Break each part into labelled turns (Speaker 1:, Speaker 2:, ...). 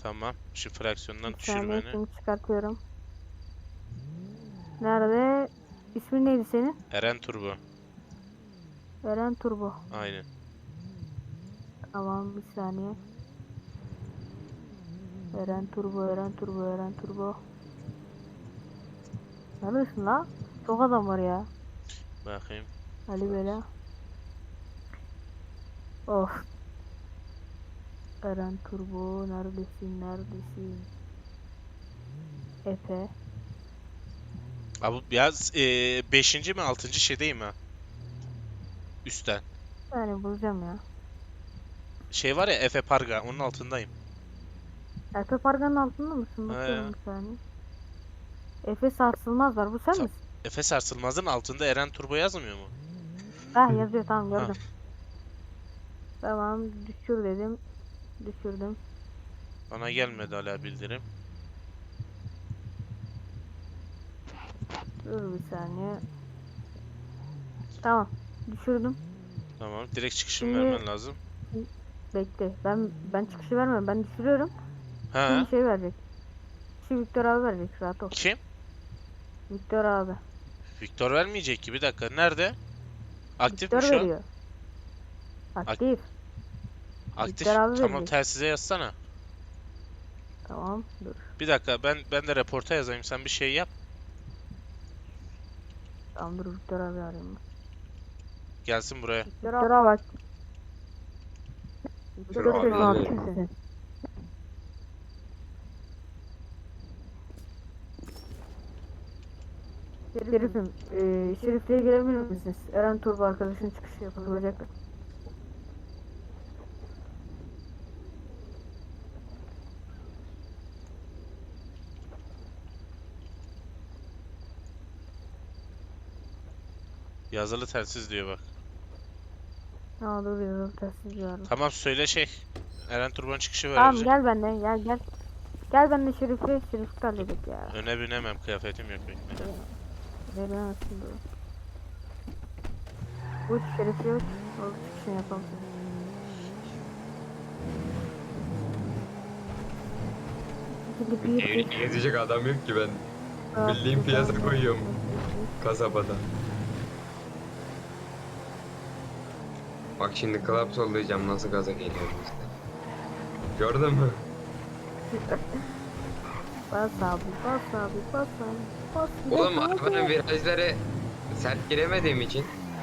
Speaker 1: Tamam. Şu fraksiyondan
Speaker 2: Bir
Speaker 1: düşür
Speaker 2: saniye
Speaker 1: beni.
Speaker 2: şimdi çıkartıyorum. Nerede? İsmin neydi senin?
Speaker 1: Eren Turbo.
Speaker 2: Eren Turbo.
Speaker 1: Aynen.
Speaker 2: Tamam bir saniye. Eren Turbo, Eren Turbo, Eren Turbo. Neredesin la? Çok adam var ya.
Speaker 1: Bakayım.
Speaker 2: Ali Bela. Of. Eren Turbo. Neredesin? Neredesin? Efe.
Speaker 1: Abi biraz 5. mi 6. şeydeyim ha. Üstten.
Speaker 2: Yani bulacağım ya.
Speaker 1: Şey var ya Efe Parga onun altındayım.
Speaker 2: Efe Pargan'ın altında mısın?
Speaker 1: He.
Speaker 2: Bakıyorum bir saniye. Efe Sarsılmaz var. Bu sen
Speaker 1: Ta-
Speaker 2: misin?
Speaker 1: Efe Sarsılmaz'ın altında Eren Turbo yazmıyor mu?
Speaker 2: Ah yazıyor tamam
Speaker 1: Ha.
Speaker 2: gördüm. Tamam düşür dedim. Düşürdüm.
Speaker 1: Bana gelmedi hala bildirim.
Speaker 2: Dur bir saniye. Tamam. Düşürdüm.
Speaker 1: Tamam. Direkt çıkışımı
Speaker 2: Şimdi
Speaker 1: vermen lazım.
Speaker 2: bekle. Ben çıkışı vermiyorum. Ben düşürüyorum. Şimdi
Speaker 1: Ha?
Speaker 2: şey verecek. Şu Victor abi verecek. Rahat ol.
Speaker 1: Kim?
Speaker 2: Victor abi.
Speaker 1: Viktor vermeyecek ki. Bir dakika. Nerede? Aktif mi
Speaker 2: Victor
Speaker 1: şu an?
Speaker 2: veriyor.
Speaker 1: Ak-
Speaker 2: Aktif. Victor
Speaker 1: aktif.
Speaker 2: abi
Speaker 1: Tamam
Speaker 2: verecek.
Speaker 1: telsize yazsana.
Speaker 2: Tamam. Dur.
Speaker 1: Bir dakika ben de reporta yazayım. Sen bir şey yap.
Speaker 2: Tamam dur Victor abi arayayım.
Speaker 1: Gelsin buraya.
Speaker 2: Victor abi bak.
Speaker 3: Dur
Speaker 2: Victor sözünü
Speaker 3: abi.
Speaker 2: aktifsin. Şerifim, Şerif'le gelebilir misiniz? Eren Turbo arkadaşın çıkışı yapılacak.
Speaker 1: Yazılı telsiz diyor bak.
Speaker 2: Aa dur yazalım telsiz var.
Speaker 1: Tamam söyle şey. Eren Turbo'nun çıkışı
Speaker 2: Tamam
Speaker 1: verecek.
Speaker 2: gel benimle gel. Gel benimle Şerif'i halledik ya.
Speaker 1: Öne binemem. Kıyafetim yok bekle.
Speaker 2: Veremezsin dur. Uç Şerif'i uç. O çıkışını yapalım.
Speaker 3: Gezecek adam yok ki ben. Bildiğin piyasa koyuyorum kasabada. Bak şimdi klap sollayacağım nasıl gaza geliyorum işte. Gördün mü?
Speaker 2: Bas abi bas abi bas abi. Bas
Speaker 3: Oğlum
Speaker 2: hadi.
Speaker 3: arabanın virajları sert giremediğim için.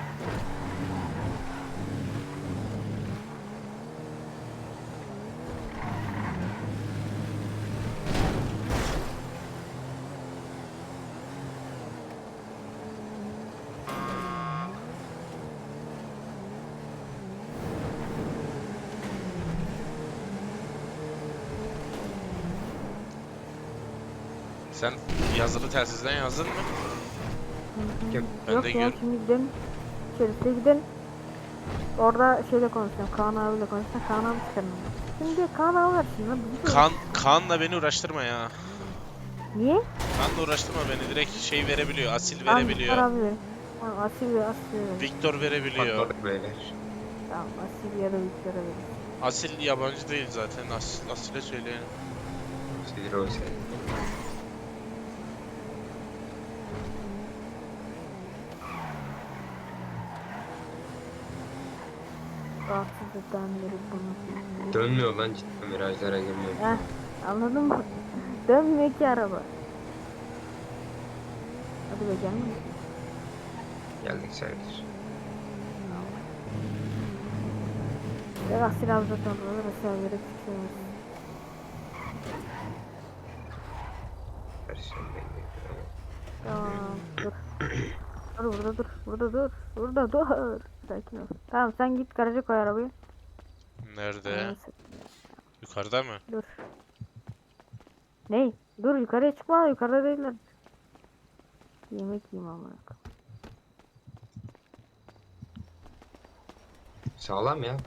Speaker 1: Sen yazılı telsizden yazdın mı?
Speaker 3: Kim?
Speaker 1: Ben
Speaker 2: Yok
Speaker 1: de
Speaker 2: ya
Speaker 1: gör.
Speaker 2: şimdi gidelim. Şerif'e gidelim. Orada şeyle konuşacağım. Kaan abiyle konuşacağım. Kaan abi çıkarım. Şimdi Kaan abi var şimdi.
Speaker 1: Kaan'la beni uğraştırma ya.
Speaker 2: Niye?
Speaker 1: Kaan'la uğraştırma beni. Direkt şey verebiliyor. Asil
Speaker 2: Tamam Victor
Speaker 1: verebiliyor.
Speaker 2: abi verin. Tamam Asil ve Asil verin.
Speaker 1: Viktor verebiliyor.
Speaker 3: Patladık beyler.
Speaker 2: Tamam Asil ya da Victor'a verin.
Speaker 1: Asil yabancı değil zaten. Asil'e söyleyelim.
Speaker 3: Sinir olsaydı.
Speaker 2: Rahatsızlıktan beri bunu.
Speaker 3: Dönmüyor lan cidden virajlara girmiyor.
Speaker 2: Heh, anladın mı? Dönmüyor ki araba. Hadi be gelme.
Speaker 3: Geldik sayılır.
Speaker 2: Ya Asil abi zaten orada mesela yere çıkıyoruz.
Speaker 3: Versiyon belli.
Speaker 2: Tamam dur. Dur burada dur. Burada dur. Burada dur. Sakin ol. Tamam sen git garaja koy arabayı.
Speaker 1: Nerede?
Speaker 2: Neyse,
Speaker 1: Yukarıda mı?
Speaker 2: dur. Ney? Dur yukarıya çıkma. Yukarıda değiller. Yemek yiyeyim amına.
Speaker 3: Sağlam ya.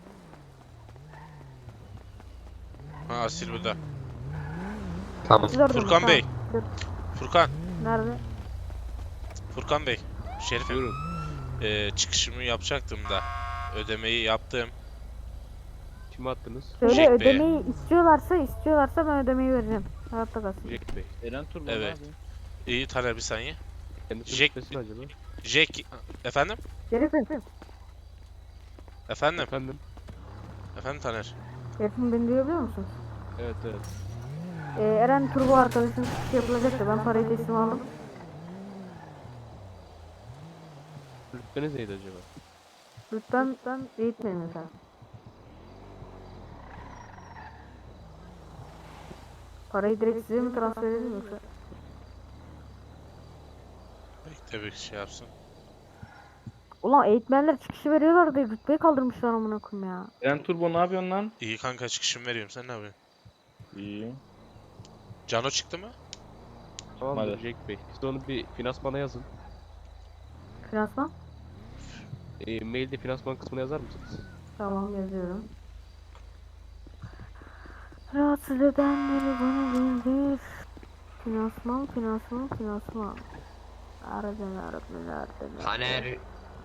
Speaker 1: Ha Asil burada.
Speaker 3: Tamam.
Speaker 2: Siz orada mı?
Speaker 1: Furkan Bey.
Speaker 2: Dur.
Speaker 1: Furkan.
Speaker 2: Nerede?
Speaker 1: Furkan Bey. Şerifim. Çıkışımı yapacaktım da. Ödemeyi yaptım.
Speaker 4: Kime attınız?
Speaker 2: Söyle
Speaker 1: Jack Bey'e.
Speaker 2: ödemeyi istiyorlarsa ben ödemeyi vereceğim. Hayatta kalsın.
Speaker 4: Jack Bey.
Speaker 5: Eren Turbo
Speaker 1: Evet.
Speaker 5: abi.
Speaker 1: İyi Taner bir saniye.
Speaker 4: Kendisi
Speaker 1: Jack-
Speaker 4: şüphesi mi acaba?
Speaker 1: Jack... Efendim?
Speaker 2: Şerifim.
Speaker 1: Efendim?
Speaker 4: Efendim?
Speaker 1: Efendim Taner?
Speaker 2: Şerifim beni duyabiliyor musun?
Speaker 4: Evet evet.
Speaker 2: Eren Turbo arkadaşın çıkışı yapılacaktı. Ben parayı teslim aldım.
Speaker 4: Rütbeniz neydi acaba?
Speaker 2: Lütfen eğitmeyin efendim. Parayı direkt size mi transfer edeyim yoksa?
Speaker 1: Bekle bir şey yapsın.
Speaker 2: Ulan eğitmenler çıkışı veriyorlar diye rütbeyi kaldırmışlar amına koyayım ya.
Speaker 5: Eren Turbo ne yapıyorsun lan?
Speaker 1: İyi kanka çıkışımı veriyorum. Sen ne yapıyorsun?
Speaker 5: İyi.
Speaker 1: Cano çıktı mı?
Speaker 4: Tamamdır
Speaker 5: Hadi.
Speaker 4: Jack Bey. Siz onu bir finansmana yazın.
Speaker 2: Finansman?
Speaker 4: Mailde finansman kısmına yazar mısınız?
Speaker 2: Tamam yazıyorum. Rahatsız edenleri bana bildir. Finansman. Aradan.
Speaker 3: Taner.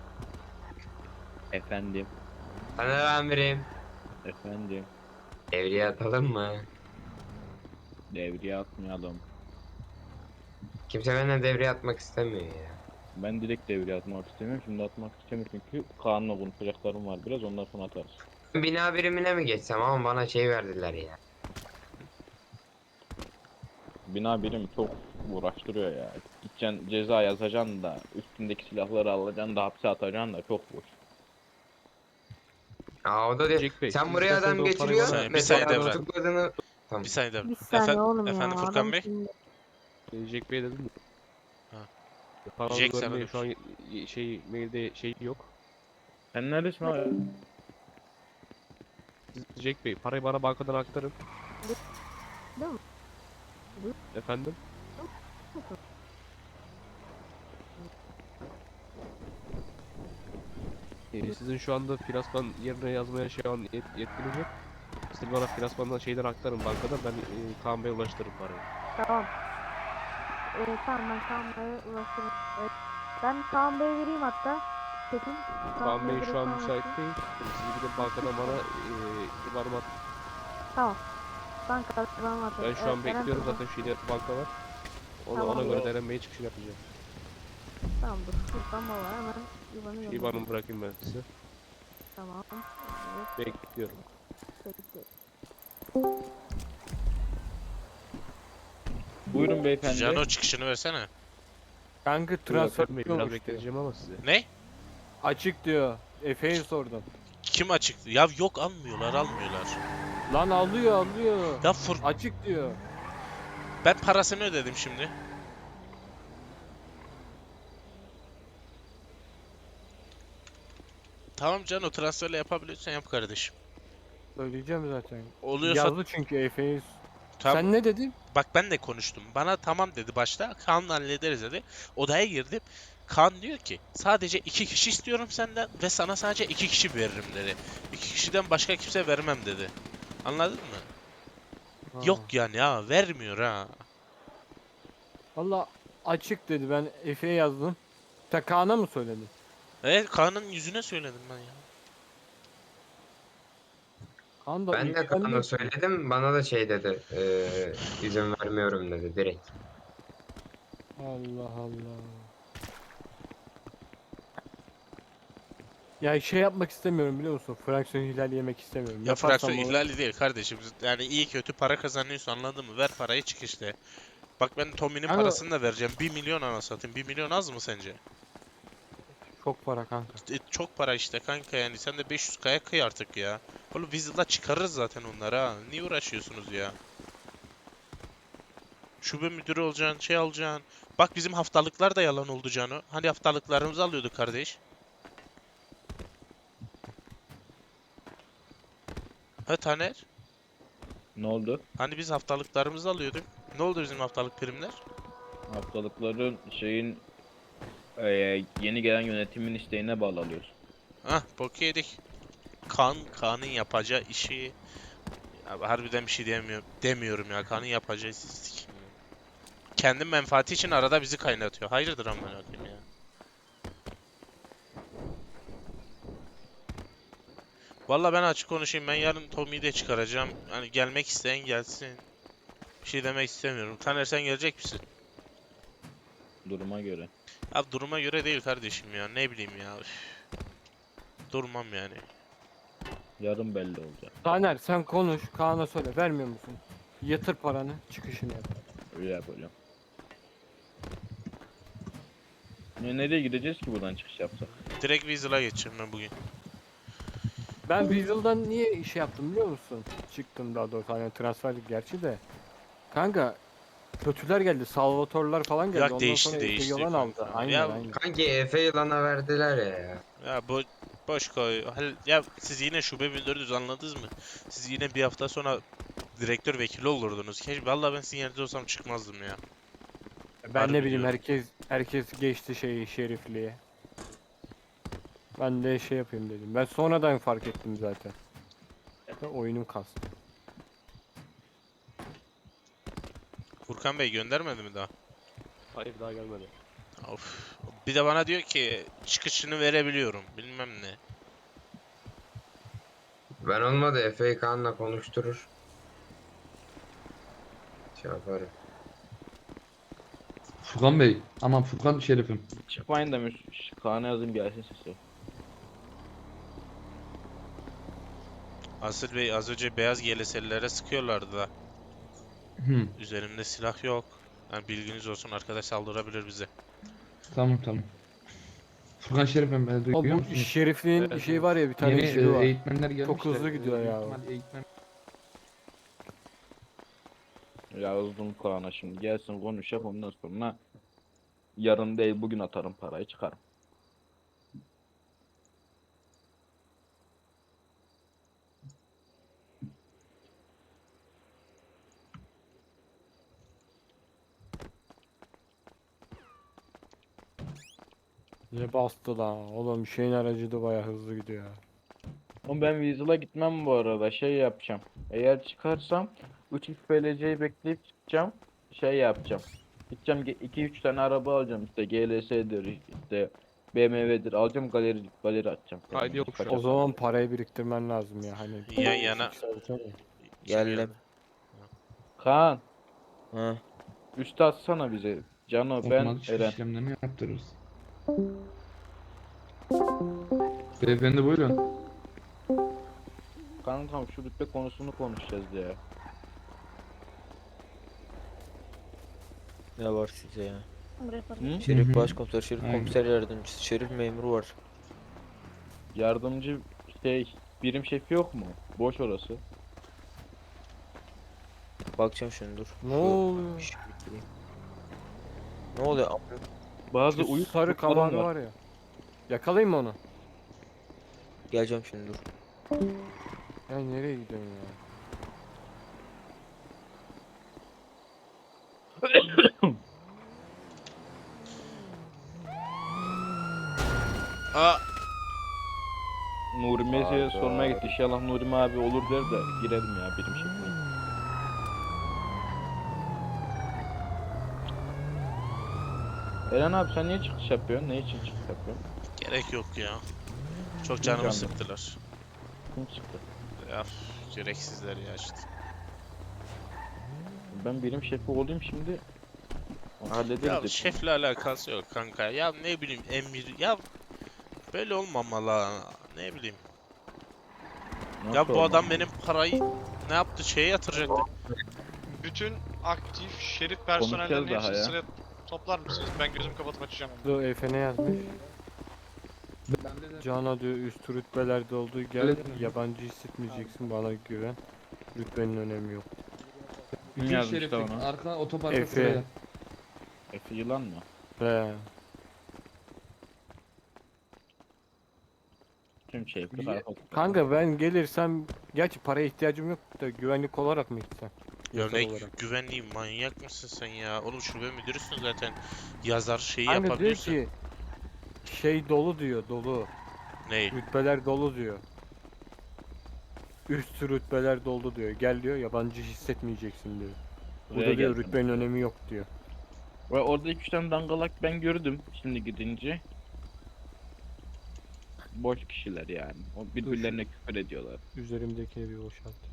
Speaker 5: Efendim.
Speaker 3: Taner amirim.
Speaker 5: Efendim.
Speaker 3: Devreye atalım mı?
Speaker 5: Devreye atmayalım.
Speaker 3: Kimse benden devreye atmak istemiyor ya.
Speaker 5: Ben direkt devreye atmak istemiyorum. Şimdi atmak istemiyorum çünkü Kaan'la konuşacaklarım var biraz. Ondan sonra atarız.
Speaker 3: Bina birimine mi geçsem ama bana şey verdiler ya.
Speaker 5: Bina birim çok uğraştırıyor ya. Gideceksin ceza yazacaksın da üstündeki silahları alacaksın da hapse atacaksın da çok boş.
Speaker 3: Aa o da diyor.
Speaker 4: Jack Bey,
Speaker 3: Sen
Speaker 4: siz
Speaker 3: buraya
Speaker 4: isterseniz
Speaker 3: adam
Speaker 4: o parayı
Speaker 3: geçiriyor.
Speaker 1: bana- Bir saniye
Speaker 3: Mesela
Speaker 1: devre.
Speaker 3: tutukladığını... Tamam.
Speaker 1: Bir saniye de.
Speaker 2: Bir saniye oğlum ya.
Speaker 1: Efendim Furkan
Speaker 2: adam
Speaker 1: Bey?
Speaker 2: şimdi-
Speaker 4: Jack Bey dedim mi?
Speaker 1: Ha.
Speaker 4: Paranı
Speaker 1: Jack sana
Speaker 4: vermeye
Speaker 1: demiş.
Speaker 4: şu an mailde şey yok.
Speaker 5: Sen neredesin abi?
Speaker 4: Siz Jack Bey parayı bana bankadan aktarın.
Speaker 2: Değil mi?
Speaker 4: Efendim? Sizin şu anda finansman yerine yazmaya şu an yetkiniz yok. Siz bana finansmandan şeyden aktarın bankadan, ben Kaan Bey'e ulaştırırım parayı.
Speaker 2: Tamam. Tamam ben Kaan Bey'e ulaşırım. Ben Kaan Bey'e vereyim hatta. Kesin.
Speaker 4: Kaan Bey
Speaker 2: Bey'e
Speaker 4: şu an
Speaker 2: direkt
Speaker 4: müsait
Speaker 2: ulaşırım.
Speaker 4: değil. Siz gidip bankadan bana IBAN'ımı at.
Speaker 2: Tamam. Banka ben atarım.
Speaker 4: Ben şu an
Speaker 2: Eren
Speaker 4: bekliyorum
Speaker 2: Turbo.
Speaker 4: zaten şeyde banka var. Ona
Speaker 2: Tamam.
Speaker 4: göre de Eren Bey'e çıkışını yapacağım.
Speaker 2: Tamam dur. Furkan baba hemen İvan'ı
Speaker 4: Şu
Speaker 2: gönder.
Speaker 4: IBAN'ımı bırakayım ben size.
Speaker 2: Tamam.
Speaker 4: Bekliyorum.
Speaker 2: Bekle.
Speaker 5: Buyurun beyefendi.
Speaker 1: Cano çıkışını versene.
Speaker 6: Kanka
Speaker 4: Eren
Speaker 6: transfer
Speaker 4: Bey biraz
Speaker 6: diyormuş diyor.
Speaker 4: bekleteceğim ama size.
Speaker 1: Ne?
Speaker 6: Açık diyor. Efe'ye sordum.
Speaker 1: Kim açıktı? Ya yok almıyorlar.
Speaker 6: Lan alıyor.
Speaker 1: Ya
Speaker 6: Açık diyor.
Speaker 1: ben parasını ödedim şimdi. Tamam Cano transferle yapabiliyorsan yap kardeşim.
Speaker 6: Söyleyeceğim zaten.
Speaker 1: Oluyorsa
Speaker 6: Yazdı çünkü Efe'yi.
Speaker 1: tamam.
Speaker 6: Sen ne dedin?
Speaker 1: Bak ben de konuştum. Bana tamam dedi başta. Kaan'la hallederiz dedi. Odaya girdim. Kaan diyor ki sadece 2 kişi istiyorum senden ve sana sadece 2 kişi veririm dedi. 2 kişiden başka kimse vermem dedi. Anladın mı?
Speaker 6: Ha.
Speaker 1: Yok yani ya vermiyor ha.
Speaker 6: Valla açık dedi. Ben Efe'ye yazdım. Sen Kaan'a mı söyledin?
Speaker 1: Evet Kaan'ın yüzüne söyledim ben ya.
Speaker 6: Kaan da
Speaker 3: Ben de
Speaker 6: ilgilendi.
Speaker 3: Kaan'a söyledim. Bana da şey dedi. İzin vermiyorum dedi direkt.
Speaker 6: Allah Allah. Ya şey yapmak istemiyorum biliyor musun? Fraksiyon ihlali yemek istemiyorum.
Speaker 1: Ya
Speaker 6: Yaparsam
Speaker 1: fraksiyon
Speaker 6: o-
Speaker 1: ihlali değil kardeşim. Yani iyi kötü para kazanıyorsun anladın mı? Ver parayı çık işte. Bak ben Tommy'nin
Speaker 6: Ama-
Speaker 1: parasını da vereceğim. 1 milyon ana satayım. 1 milyon az mı sence?
Speaker 6: Çok para kanka.
Speaker 1: Çok para işte kanka yani. Sen de 500K'ya kıy artık ya. Oğlum Weasel'la çıkarırız zaten onları ha. Niye uğraşıyorsunuz ya? Şube müdürü olacaksın, şey alacaksın. Bak bizim haftalıklar da yalan oldu Cano. Hani haftalıklarımızı alıyorduk kardeş. Ha Taner?
Speaker 5: Ne oldu?
Speaker 1: Hani biz haftalıklarımızı alıyorduk. Ne oldu bizim haftalık primler?
Speaker 5: Haftalıkların yeni gelen yönetimin isteğine bağlı alıyoruz.
Speaker 1: Hah bok yedik. Kaan'ın yapacağı işi... Ya, harbiden bir şey demiyorum ya. Kaan'ın yapacağı işi... Kendi menfaati için arada bizi kaynatıyor. Hayırdır amına koyayım ya. Valla ben açık konuşayım. Ben yarın Tommy'yi de çıkaracağım. Hani gelmek isteyen gelsin. Bir şey demek istemiyorum. Taner sen gelecek misin?
Speaker 5: Duruma göre.
Speaker 1: Abi duruma göre değil kardeşim ya. Ne bileyim ya. Üf. Durmam yani.
Speaker 5: Yarın belli olacak.
Speaker 6: Taner sen konuş. Kaan'a söyle. Vermiyor musun? Yatır paranı. Çıkışını yap.
Speaker 5: Öyle yapacağım. Nereye gideceğiz ki buradan çıkış yapsak?
Speaker 1: Direkt Weasel'a geçeceğim ben bugün.
Speaker 6: Ben Weasel'dan niye iş yaptım biliyor musun? Çıktım daha doğrusu. Hani transferlik gerçi de. Kanka kötüler geldi. Salvatorlar falan geldi.
Speaker 1: Ya
Speaker 6: Ondan
Speaker 1: değişti,
Speaker 6: sonra Efe
Speaker 1: değişti
Speaker 6: Yolan
Speaker 1: kanka.
Speaker 6: aldı. Aynen
Speaker 1: Ya-
Speaker 6: aynen.
Speaker 3: Kanki Efe yılana verdiler ya.
Speaker 1: Ya boş koy. Ya siz yine şube 1400 anladınız mı? Siz yine bir hafta sonra direktör vekili olurdunuz. Keşke vallahi ben sizin yerinizde olsam çıkmazdım ya.
Speaker 6: Ben
Speaker 1: Harbi
Speaker 6: ne bileyim
Speaker 1: diyorum.
Speaker 6: herkes geçti şerifliğe. Ben de şey yapayım dedim. Ben sonradan fark ettim zaten. Ve oyunum kastı.
Speaker 1: Furkan Bey göndermedi mi daha?
Speaker 4: Hayır daha gelmedi.
Speaker 1: Of. Bir de bana diyor ki çıkışını verebiliyorum. Bilmem ne.
Speaker 3: Ben olmadı Efe'yi Kaan'la konuşturur. Şey yaparım.
Speaker 7: Furkan Bey. Aman Furkan Şerif'im.
Speaker 5: Çıkmayın demiş. Kaan'a yazayım gelsin sesi.
Speaker 1: Asıl Bey az önce beyaz GLS'lilere sıkıyorlardı da.
Speaker 7: Hı,
Speaker 1: Üzerimde silah yok. Yani bilginiz olsun arkadaş saldırabilir bize.
Speaker 7: tamam. Furkan Şerif'im beni
Speaker 6: O
Speaker 7: duyuyor
Speaker 6: bu
Speaker 7: musunuz?
Speaker 6: şerifliğin
Speaker 4: Evet,
Speaker 6: şey var ya bir tane
Speaker 7: Yeni
Speaker 6: jibi var.
Speaker 7: eğitmenler gelmişler.
Speaker 6: Çok hızlı gidiyor
Speaker 7: Büyük
Speaker 6: ya.
Speaker 7: ihtimal Eğitmen...
Speaker 5: Yazdım Kaan'a şimdi gelsin konuş yap ondan sonra yarın değil bugün atarım parayı çıkarım.
Speaker 6: Ne bastı lan? Oğlum şeyin aracı da baya hızlı gidiyor ya.
Speaker 5: Ama ben Weasel'a gitmem bu arada şey yapacağım. Eğer çıkarsam 3 FLC'yi bekleyip çıkacağım. Şey yapacağım. Gideceğim 2-3 tane araba alacağım işte GLS'dir işte BMW'dir alacağım galeri atacağım.
Speaker 4: Haydi yok şu an.
Speaker 6: O zaman parayı biriktirmen lazım ya hani.
Speaker 1: Yan yana.
Speaker 6: Yükseltemem.
Speaker 8: Geldim.
Speaker 5: Kaan
Speaker 8: Ha.
Speaker 5: üstü atsana bize. Cano ben
Speaker 7: Otomatik çıkış
Speaker 5: Eren.
Speaker 7: işlemlerini yaptırırız. Beyefendi buyurun.
Speaker 5: Kankam şu rütbe konusunu konuşacağız ya.
Speaker 8: Ne var size ya?
Speaker 5: Hı?
Speaker 8: Şerif
Speaker 7: Hı hı.
Speaker 8: başkomiser, şerif
Speaker 7: Aynen.
Speaker 8: komiser yardımcısı, şerif memuru var.
Speaker 5: Yardımcı şey birim şefi yok mu? Boş orası.
Speaker 8: Bakacağım şimdi dur.
Speaker 6: Ne oluyor?
Speaker 8: İşi bitireyim. Ne oluyor?
Speaker 5: Bazı
Speaker 6: Şu
Speaker 5: uyuz
Speaker 6: sarı
Speaker 5: kurtlarım
Speaker 6: kalanı var ya. Yakalayayım mı onu?
Speaker 8: Geleceğim şimdi dur.
Speaker 6: Ya nereye gidiyorsun ya?
Speaker 1: Aa,
Speaker 5: Nuri Mezi'ye sormaya gitti. İnşallah Nuri abi olur der de girelim ya birim şefine. Eren abi sen niye çıkış yapıyorsun? Ne için çıkış yapıyorsun?
Speaker 1: gerek yok ya. Çok canımı
Speaker 5: Canım.
Speaker 1: sıktılar.
Speaker 5: Kim çıktı?
Speaker 1: Ya gereksizler ya işte.
Speaker 5: Ben birim şefi olayım şimdi. Hallederiz.
Speaker 1: Ya
Speaker 5: hepsini.
Speaker 1: şefle alakası yok kanka. Ya ne bileyim emir ya böyle olmamalı ha. Ne bileyim.
Speaker 5: Nasıl
Speaker 1: Ya bu
Speaker 5: olmaz?
Speaker 1: adam benim parayı ne yaptı şeye yatıracaktı.
Speaker 9: Bütün aktif şerif personellerinin
Speaker 5: Konuşacağız daha
Speaker 9: hepsini
Speaker 5: ya.
Speaker 9: sıraya toplar mısınız? Ben gözümü kapatıp açacağım.
Speaker 6: Dur Efe ne yazmış? Cana diyor üst rütbelerde olduğu gel
Speaker 7: Öyle mi?
Speaker 6: yabancı hissetmeyeceksin bana güven. Rütbenin önemi yok.
Speaker 5: Kim
Speaker 7: Bütün
Speaker 5: yazmış da
Speaker 7: Şerif'in
Speaker 5: onu?
Speaker 7: arka otoparka
Speaker 6: Efe.
Speaker 7: sıraya.
Speaker 5: Efe yılan mı?
Speaker 6: He.
Speaker 5: Tüm şeflik
Speaker 7: Ye-
Speaker 5: arka.
Speaker 6: Kanka ben gelirsem gerçi paraya ihtiyacım yok da güvenlik olarak mı gitsem?
Speaker 1: Ya
Speaker 6: Yasal
Speaker 1: ne
Speaker 6: olarak.
Speaker 1: güvenliği manyak mısın sen ya? Oğlum şube müdürüsün zaten. Yazar şeyi
Speaker 6: Kanka diyor
Speaker 1: yapabiliyorsun.
Speaker 6: ki şey dolu diyor dolu.
Speaker 1: Ney?
Speaker 6: Rütbeler dolu diyor. Üst rütbeler doldu diyor. Gel diyor yabancı hissetmeyeceksin diyor. Burada
Speaker 5: Buraya
Speaker 6: diyor
Speaker 5: gelsin.
Speaker 6: rütbenin önemi yok diyor.
Speaker 5: Ve orada 2-3 tane dangalak ben gördüm şimdi gidince. boş kişiler yani. O birbirlerine küfür ediyorlar.
Speaker 6: Üzerimdekini bir boşalt.